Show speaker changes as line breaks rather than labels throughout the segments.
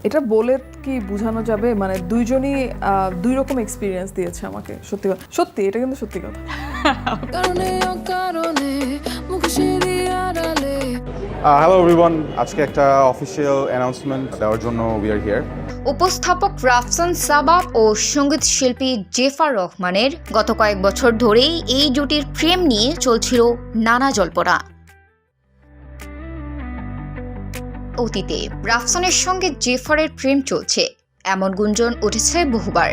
এটা বলে কি বোঝানো যাবে? মানে দুইজনই দুই রকম এক্সপিরিয়েন্স দিয়েছে আমাকে। সত্যি কথা, সত্যি এটা কিন্তু সত্যি কথা।
হ্যালো এভরিওয়ান, আজকে একটা অফিসিয়াল অ্যানাউন্সমেন্ট দেওয়ার জন্য উই আর হিয়ার।
উপস্থাপক রাফসান সাবাব ও সঙ্গীত শিল্পী জেফার রহমানের গত কয়েক বছর ধরেই এই জুটির প্রেম নিয়ে চলছিল নানা জল্পনা। অতীতে রাফসানের সঙ্গে জেফারের প্রেম চলছে এমন গুঞ্জন উঠেছে বহুবার।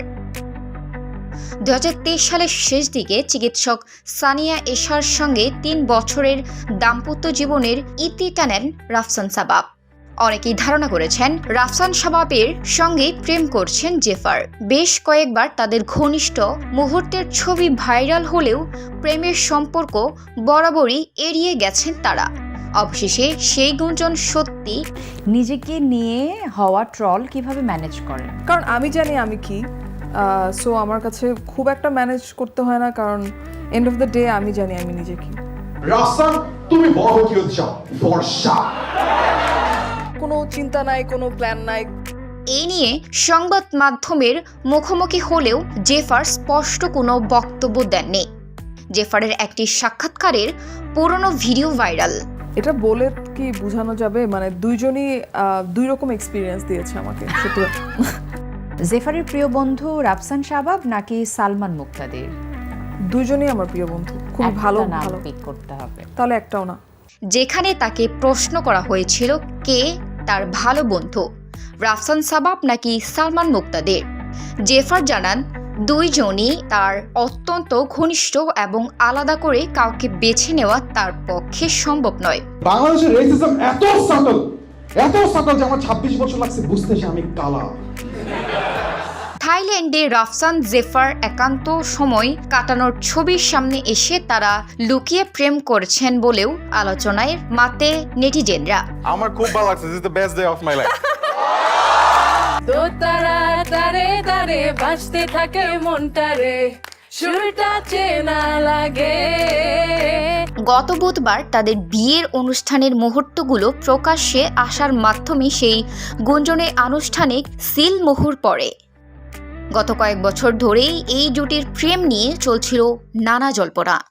2023 সালের শেষ দিকে চিকিৎসক সানিয়া এশার সঙ্গে 3 বছরের দাম্পত্য জীবনের ইতি টানেন রাফসান সাবাব। অনেকেই ধারণা করেছেন রাফসান সাবাবের সঙ্গে প্রেম করছেন জেফার। বেশ কয়েকবার তাদের ঘনিষ্ঠ মুহূর্তের ছবি ভাইরাল হলেও প্রেমের সম্পর্ক বরাবরই এড়িয়ে গেছেন তারা। অবশেষে সেই গুঞ্জন সত্যি।
নিজেকে নিয়ে হওয়া ট্রল কিভাবে ম্যানেজ করেন?
কারণ আমি জানি আমি কি, সো আমার কাছে খুব একটা ম্যানেজ করতে হয় না, কারণ এন্ড অফ দ্য ডে আমি জানি আমি নিজে কি।
রাফসান, তুমি বড় কি হতে চাও? বর্ষা।
কোনো চিন্তা নাই, কোনো প্ল্যান নাই।
এই নিয়ে সংবাদ মাধ্যমের মুখোমুখি হলেও জেফার স্পষ্ট কোনো বক্তব্য দেননি। জেফারের একটি সাক্ষাৎকারের পুরনো ভিডিও ভাইরাল।
এটা বলে কি বোঝানো যাবে? মানে দুইজনই দুই রকম এক্সপিরিয়েন্স দিয়েছে আমাকে। সত্যি কথা।
জেফারের প্রিয় বন্ধু রাফসান সাবাব নাকি সালমান মুক্তাদির?
দুইজনই আমার প্রিয় বন্ধু, খুব ভালো
নাম
ভালো।
পিক করতে হবে।
তাহলে একটাও না।
যেখানে তাকে প্রশ্ন করা হয়েছিল কে তার ভালো বন্ধু, রাফসান সাবাব নাকি সালমান মুক্তাদির, জেফার জানান দুইজনই তার অত্যন্ত ঘনিষ্ঠ এবং আলাদা করে কাউকে বেছে নেওয়া তার পক্ষে সম্ভব নয়।
বাংলাদেশের রেসিজম এত সাটল যে আমার 26 বছর লাগছে বুঝতে যে আমি কালা।
থাইল্যান্ডে রাফসান জেফার একান্ত সময় কাটানোর ছবির সামনে এসে তারা লুকিয়ে প্রেম করছেন বলেও আলোচনায় মাতে নেটিজেনরা।
আমার খুব ভালো লাগছে, this is the best day of my life.
তো তারা তারে তারে বাজতে থাকে মনটারে, সুরটা চেনা লাগে।
গত বুধবার তাদের বিয়ের অনুষ্ঠানের মুহূর্তগুলো প্রকাশ্যে আসার মাধ্যমে সেই গুঞ্জনের আনুষ্ঠানিক সিল মোহর পড়ে। গত কয়েক বছর ধরেই এই জুটির প্রেম নিয়ে চলছিল নানা জল্পনা।